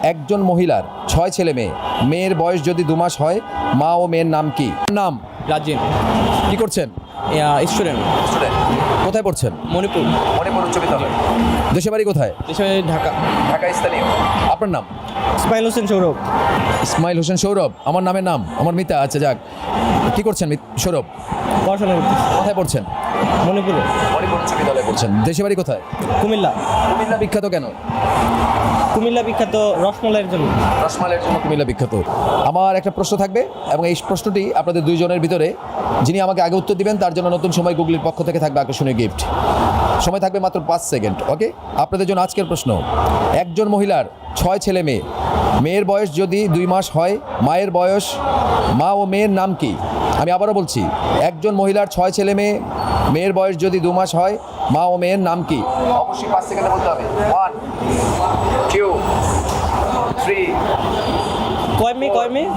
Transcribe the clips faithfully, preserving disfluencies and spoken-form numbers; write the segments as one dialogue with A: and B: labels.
A: একজন মহিলার ছয় ছেলে মেয়ে, মেয়ের বয়স যদি দু মাস হয়, মা ও মেয়ের নাম কি? নাম
B: রাজিন।
A: কি করছেন?
B: স্টুডেন্ট।
A: স্টুডেন্ট। কোথায় পড়ছেন?
B: মণিপুর।
A: মণিপুর উচ্চ বিদ্যালয়। দেশে বাড়ি কোথায়?
B: দেশে ঢাকা।
A: ঢাকা স্থানীয়। আপনার নাম?
B: ইসমাইল হোসেন সৌরভ।
A: ইসমাইল হোসেন সৌরভ। আমার নামের নাম আমার মিতা। আচ্ছা যাক, কি করছেন সৌরভ?
B: পড়াশোনা করতেছি।
A: কোথায় পড়ছেন?
B: মণিপুরে।
A: মণিপুর উচ্চ বিদ্যালয়ে পড়ছেন। দেশে বাড়ি কোথায়?
B: কুমিল্লা।
A: কুমিল্লা বিখ্যাত কেন?
B: কুমিল্লা বিখ্যাত রসমালাইয়ের জন্য।
A: রসমালাইয়ের জন্য কুমিল্লা বিখ্যাত। আমার একটা প্রশ্ন থাকবে এবং এই প্রশ্নটি আপনাদের দুইজনের ভিতরে যিনি আমাকে আগে উত্তর দিবেন তার জন্য নতুন সময় গুগলির পক্ষ থেকে থাকবে আকর্ষণীয় গিফট। সময় থাকবে মাত্র পাঁচ সেকেন্ড। ওকে, আপনাদের জন্য আজকের প্রশ্ন। একজন মহিলার ছয় ছেলে মেয়ে, মেয়ের বয়স যদি দুই মাস হয়, মায়ের বয়স, মা ও মেয়ের নাম কি? আমি আবারও বলছি, একজন মহিলার ছয় ছেলে মেয়ে, মেয়ের বয়স যদি দু মাস হয়, মা ও মেয়ের নাম কি? অবশ্যই পাঁচ সেকেন্ডে বলতে হবে। ওয়ান, টু, থ্রি,
B: কয় মেয়ে কয় মেয়ে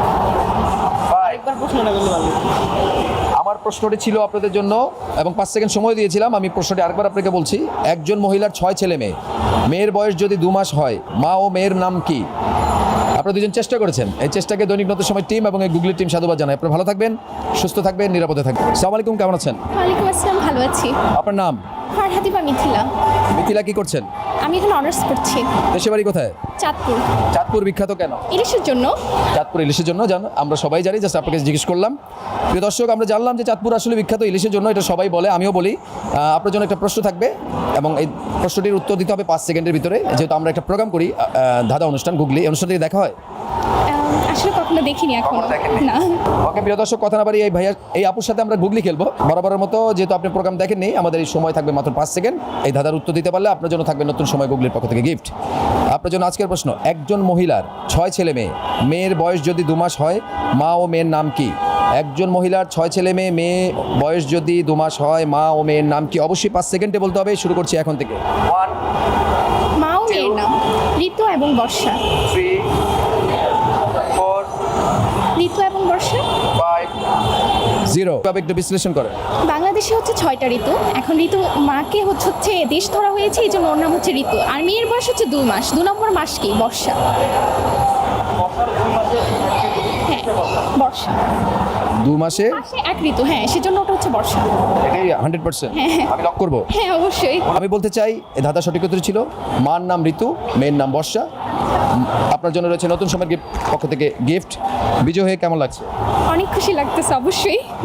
A: ফাইভ।
B: একবার প্রশ্নটা করলে ভালো।
A: আমার প্রশ্নটি ছিল আপনাদের জন্য এবং পাঁচ সেকেন্ড সময় দিয়েছিলাম। আমি প্রশ্নটি আরেকবার আপনাকে বলছি। একজন মহিলার ছয় ছেলে মেয়ে, মেয়ের বয়স যদি দু মাস হয়, মা ও মেয়ের নাম কি? আপনারা দুজন চেষ্টা করেছেন। এই চেষ্টাকে দৈনিক নতুন সময় টিম এবং এই গুগলি টিম সাধুবাদ জানায়। আপনারা ভালো থাকবেন, সুস্থ থাকবেন, নিরাপদে থাকবেন। আসসালামু আলাইকুম, কেমন আছেন?
C: ওয়ালাইকুম আসসালাম, ভালো আছি।
A: আপনার নাম?
C: ফারহাদিবা মিথিলা।
A: মিথিলা, কি করছেন?
C: আমি এখন অনার্স করছি
A: দেশে বাড়ি কোথায়?
C: চাঁদপুর।
A: চাঁদপুর বিখ্যাত কেন?
C: ইলিশের জন্য।
A: চাঁদপুর ইলিশের জন্য জান, আমরা সবাই জানি, জাস্ট আপনাকে জিজ্ঞেস করলাম। প্রিয় দর্শক, আমরা জানলাম যে চাঁদপুর আসলে বিখ্যাত ইলিশের জন্য, এটা সবাই বলে, আমিও বলি। আহ, আপনার জন্য একটা প্রশ্ন থাকবে এবং এই প্রশ্নটির উত্তর দিতে হবে পাঁচ সেকেন্ডের ভিতরে। যেহেতু আমরা একটা প্রোগ্রাম করি, আহ, ধাঁধা অনুষ্ঠান, গুগলি, এই অনুষ্ঠান থেকে দেখা হয়।
C: আম, আসলে কখনো দেখিনি এখন না।
A: ওকে প্রিয় দর্শক, কথা না বাড়ি এই ভাইয়া এই আপুর সাথে আমরা গুগলি খেলবো বরাবরের মতো। যেহেতু আপনি প্রোগ্রাম দেখেননি, আমাদের এই সময় থাকবে মাত্র পাঁচ সেকেন্ড। এই ধাঁধার উত্তর দিতে পারলে আপনার জন্য থাকবে নতুন সময় গুগলির পক্ষ থেকে গিফট। আপনার জন্য আজকের প্রশ্ন। একজন মহিলার ছয় ছেলে মেয়ে, মেয়ের বয়স যদি দু মাস হয়, মা ও মেয়ের নাম কি? একজন মহিলার ছয় ছেলে মেয়ে, মেয়ে বয়স যদি দু মাস হয়, মা ও মেয়ের নাম কি? অবশ্যই পাঁচ সেকেন্ডে বলতে হবে। শুরু করছি এখন থেকে। ওয়ান,
C: মা ও মেয়ের নাম ঋতু এবং বর্ষা।
A: থ্রি, ফোর,
C: ঋতু এবং বর্ষা।
A: Five, zero. তবে একটু বিশ্লেষণ করেন।
C: বাংলাদেশে হচ্ছে ছয়টা ঋতু। এখন ঋতু মাকে হচ্ছে হচ্ছে দেশ ধরা হয়েছে, এই জন্য ওর নাম হচ্ছে ঋতু। আর মেয়ের বয়স হচ্ছে দু মাস। দু নম্বর মাস কি? বর্ষা। হ্যাঁ, বর্ষা।
A: দু মাসে
C: মাসে এক ঋতু, হ্যাঁ, সেজন্য ওটা হচ্ছে বর্ষা।
A: এটাই হান্ড্রেড পার্সেন্ট আমি লক করবো।
C: হ্যাঁ, অবশ্যই।
A: আমি বলতে চাই এই ধাঁধা সঠিক উত্তর ছিল মার নাম ঋতু, মেয়ের নাম বর্ষা। উম, আপনার জন্য রয়েছে নতুন সময়ের গিফট পক্ষ থেকে গিফট। বিজয় হয়ে কেমন লাগছে?
C: অনেক খুশি লাগতেছে অবশ্যই।